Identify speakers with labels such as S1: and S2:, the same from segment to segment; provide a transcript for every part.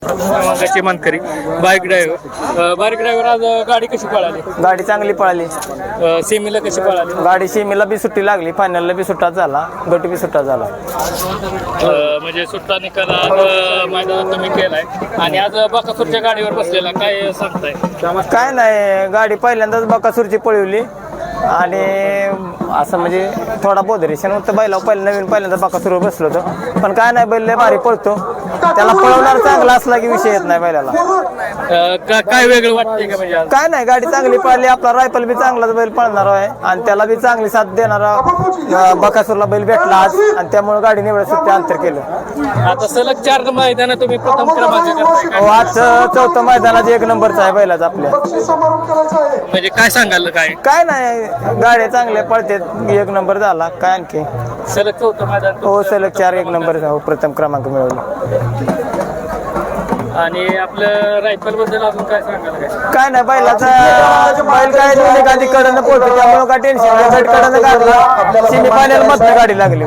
S1: क्रमांकाची मानकरी bike driver आज गाडी कशी पळाली?
S2: गाडी चांगली पळाली.
S1: सेमीला कशी पळाली?
S2: गाडी सीमेला बी सुट्टी लागली, फायनलला बी सुट्टा झाला, गट बी सुट्टा झाला.
S1: म्हणजे सुट्टा निकाल आज मैदानात तुम्ही केलाय आणि आज बकासूरच्या गाडीवर बसलेला काय सांगताय?
S2: काय नाही, गाडी पहिल्यांदाच बकासूरची पळवली आणि असं म्हणजे थोडा बोधरेशन होतं बैलावर. पहिल्यांदा बकासूरवर बसलो होतो, पण काय नाही, बैल लय भारी पळतो. त्याला पळवणार चांगला असला की विषय येत नाही बैलाला.
S1: काय वेगळं वाटतंय का? म्हणजे
S2: काय नाही, गाडी चांगली पळाली. आपला रायफल बी चांगलाच बैल पळणार आहे आणि त्याला बी चांगली साथ देणारा बकासूरला बैल भेटला आज आणि त्यामुळे गाडी निवड सुट्टी अंतर केलं.
S1: आता सलग 4 मैदान तुम्ही प्रथम क्रमांक करताय.
S2: हो, आज चौथं मैदानात 1 नंबरचा आहे बैलाचा आपल्या.
S1: म्हणजे काय सांगाल?
S2: काय नाही, गाड्या चांगल्या पळतात, 1 नंबर झाला. काय आणखी
S1: सलग 4 मैदान?
S2: हो, सलग 4 1 नंबर प्रथम क्रमांक मिळवला.
S1: आणि आपलं रायफल बद्दल अजून काय सांगाल?
S2: काय नाही, बैलाचा बैल काय एखादी कडनं पोहोचतो, त्यामुळे काय टेन्शन नाही. बैल कडनं काढला, सेमी फायनल मधनं गाडी लागली.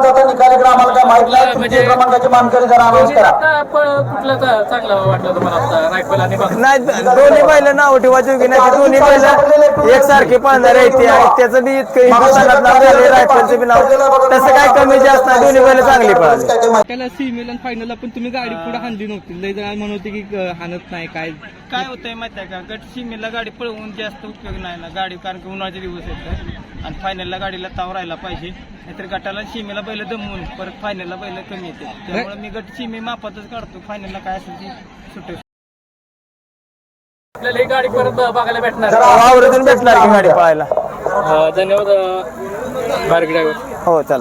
S1: म्हणजे कुठला चांगला वाटलं तुम्हाला रायफल आणि
S2: नाही, दोन्ही बैल नाव ठेवायची की नाही, दोन्ही बैल एकसारखे पळणार आहे. त्याचं बी इतकं हिंदुस्थानात नाव झाले, रायफलचं बी नाव तसं काय कमी जास्त नाही. दोन्ही बैल चांगली पळाली.
S3: त्याला सीमेला फायनलला पण तुम्ही गाडी पुढे हाणली नव्हती, लय जण म्हणत होते की हाणत नाही. काय
S4: होतंय माहिती आहे का, गट सीमेला गाडी पळवून जास्त उपयोग नाही ना गाडी, कारण की उन्हाळ्याचे दिवस येतात आणि फायनलला गाडीला ताव राहायला पाहिजे. नाहीतर गटाला सीमेला बैल दमवून परत फायनलला बैल कमी येते. त्यामुळे मी गट सीमे मापातच काढतो, फायनलला काय असेल ती सुटे.
S1: आपल्याला ही गाडी परत बघायला भेटणार?
S2: आवडून भेटणार की गाडी पळायला.
S1: धन्यवाद बाईक ड्रायव्हर.
S2: हो, चालेल.